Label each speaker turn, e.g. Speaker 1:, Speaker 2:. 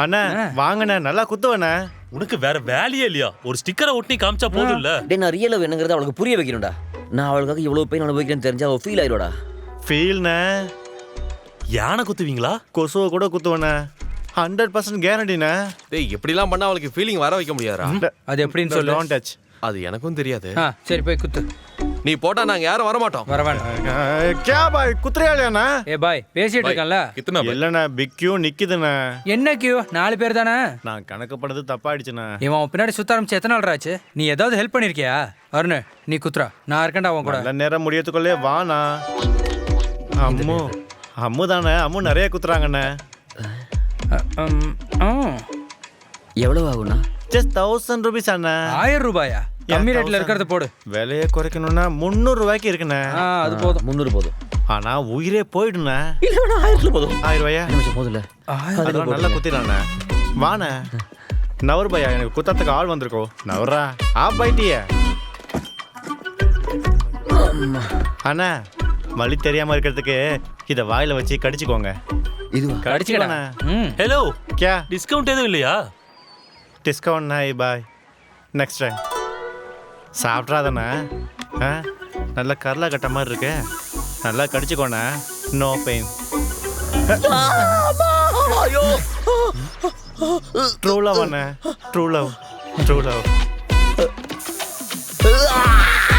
Speaker 1: அண்ணா வாங்கண்ணே, நல்லா குத்துவண்ணே.
Speaker 2: உனக்கு வேற வேலையே இல்லையா? ஒரு ஸ்டிக்கரை ஒட்டி காமிச்சா போதும் இல்ல?
Speaker 3: டேய் நான் ரியல் லவ் என்னங்கறத அவளுக்கு புரிய வைக்கணும்டா. நான் அவளுக்காக இவ்வளவு பெயின் அனுபவிக்கிறேன்னு தெரிஞ்சா அவ ஃபீல் ஆயிடுவாடா.
Speaker 1: ஃபீல்ண்ணே.
Speaker 2: யானை குத்துவீங்களா?
Speaker 1: கொசுவை கூட குத்துவண்ணே. 100% கேரண்டிண்ணே.
Speaker 4: டேய் எப்படிலாம் பண்ணா அவளுக்கு ஃபீலிங் வர வைக்க முடியாதா?
Speaker 5: அது எப்படின்னு சொல்லு.
Speaker 1: Don't touch.
Speaker 4: அது எனக்கும் தெரியாது.
Speaker 5: சரி போய் குத்து.
Speaker 4: நீ போட்டா நாங்க யாரும் வர மாட்டோம்.
Speaker 5: வர வேண்டாம்.
Speaker 1: கே பாய் குத்துறியாலியாண்ணா?
Speaker 5: ஏ பாய் பேசிட்டு இருக்கேன்ல.
Speaker 4: கித்தனா பாய்?
Speaker 1: இல்லண்ணே, பிக் கியூ நிக்குதுண்ணே.
Speaker 5: என்ன கியூ? 4 பேர் தானே.
Speaker 1: நான் கணக்கு பண்ணது தப்பாயிடுச்சுண்ணே.
Speaker 5: இவன் பின்னாடி சுத்த ஆரம்பிச்சு எத்தனை நாள் ஆச்சு? நீ ஏதாவது ஹெல்ப் பண்ணிருக்கியா? அருண் நீ குத்துறா, நான் இருக்கேன்டா அவன் கூட.
Speaker 1: நல்ல நேரம் முடியறதுக்குள்ளே வாண்ணா. அம்மு அம்மு தானே, அம்மு நிறைய குத்துறாங்கண்ணே.
Speaker 3: எவ்வளவு ஆகும்னா?
Speaker 1: ஜஸ்ட் 1000 rupees அண்ணா.
Speaker 5: 1000 ரூபாயா? கம்மி ரேட்ல இருக்கிறத போடு.
Speaker 1: விலையை குறைக்கணும்னா 300 ரூபாய்க்கு இருக்குண்ணே.
Speaker 5: அது போதும்.
Speaker 3: 300 போதும்.
Speaker 1: ஆனா உயிரே போயிடுண்ணே.
Speaker 3: இல்ல வேணா 1000 போதும்.
Speaker 1: 1000 ரூபாயா?
Speaker 3: நிமிஷம் போதும்ல.
Speaker 1: அதெல்லாம் நல்லா குத்திடலாண்ணே. வாண்ணே. நவர் பையா, எனக்கு குத்தத்துக்கு ஆள் வந்திருக்கோ. நவரா ஆப்பாயிட்டிய அண்ணா. வலி தெரியாம இருக்கிறதுக்கு இத வாயில வச்சு கடிச்சுக்கோங்க.
Speaker 3: இதுவா?
Speaker 1: கடிச்சுக்கலாண்ணே.
Speaker 2: ஹலோ,
Speaker 1: கே
Speaker 2: டிஸ்கவுண்ட் எதுவும் இல்லையா?
Speaker 1: டிஸ்கவுண்ட் நாய் பாய். Next time சாப்பிட்றாதாண்ணே. நல்லா கரலா கட்ட மாதிரி இருக்கு. நல்லா கடிச்சுக்கோண்ணே. No pain. ட்ரூ லவ் அண்ணே. True love. True love.